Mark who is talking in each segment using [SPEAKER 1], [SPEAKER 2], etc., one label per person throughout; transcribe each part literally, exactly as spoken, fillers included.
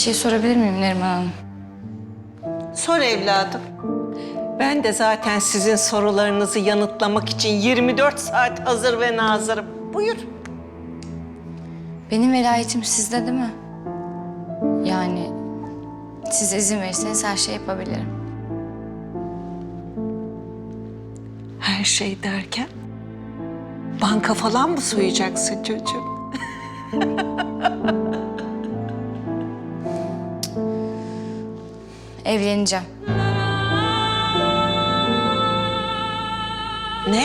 [SPEAKER 1] şey sorabilir miyim Neriman Hanım?
[SPEAKER 2] Sor evladım. Ben de zaten sizin sorularınızı yanıtlamak için yirmi dört saat hazır ve nazırım. Buyur.
[SPEAKER 1] Benim velayetim sizde değil mi? Yani siz izin verirseniz her şey yapabilirim.
[SPEAKER 2] Her şey derken? Banka falan mı soyacaksın çocuğum?
[SPEAKER 1] Evleneceğim.
[SPEAKER 2] Ne?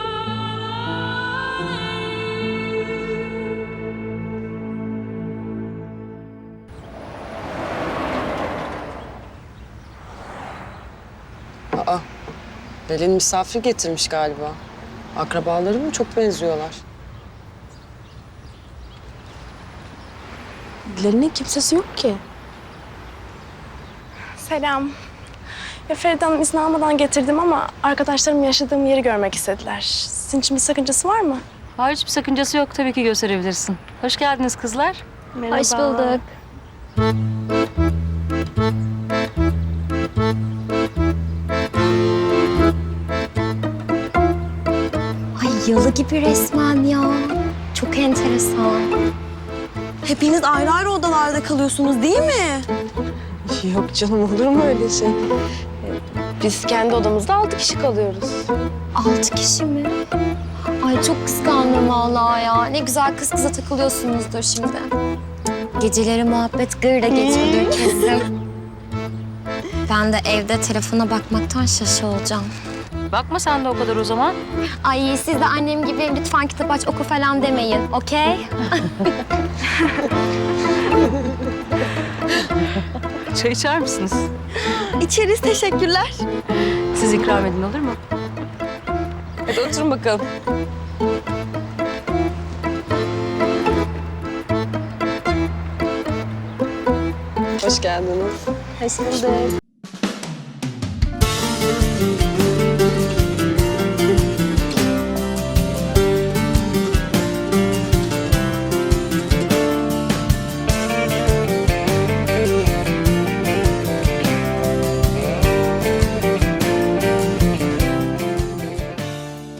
[SPEAKER 3] Aa, Pelin misafir getirmiş galiba. Akrabaları mı? Çok benziyorlar.
[SPEAKER 4] Dilerinin kimsesi yok ki. Selam. Ya Feride Hanım izin almadan getirdim ama arkadaşlarım yaşadığım yeri görmek istediler. Sizin için bir sakıncası var mı?
[SPEAKER 5] Hayır, hiçbir sakıncası yok. Tabii ki gösterebilirsin. Hoş geldiniz kızlar.
[SPEAKER 4] Merhaba.
[SPEAKER 6] Hoş bulduk. Ay yalı gibi resmen ya. Çok enteresan.
[SPEAKER 7] Hepiniz ayrı ayrı odalarda kalıyorsunuz değil mi?
[SPEAKER 4] Yok canım, olur mu öyle şey? Biz kendi odamızda altı kişi kalıyoruz.
[SPEAKER 6] Altı kişi mi? Ay çok kıskandım vallahi ya. Ne güzel kız kıza takılıyorsunuzdur şimdi. Geceleri muhabbet gırla geçiyordur kesin. Ben de evde telefona bakmaktan şaşılacağım.
[SPEAKER 5] Bakma sen de o kadar o zaman.
[SPEAKER 6] Ay siz de annem gibi lütfen kitap aç oku falan demeyin, okey?
[SPEAKER 5] Çay içer misiniz?
[SPEAKER 7] İçeriz, teşekkürler.
[SPEAKER 5] Siz ikram edin, olur mu?
[SPEAKER 3] Hadi oturun bakalım. Hoş geldiniz.
[SPEAKER 6] Hoş bulduk.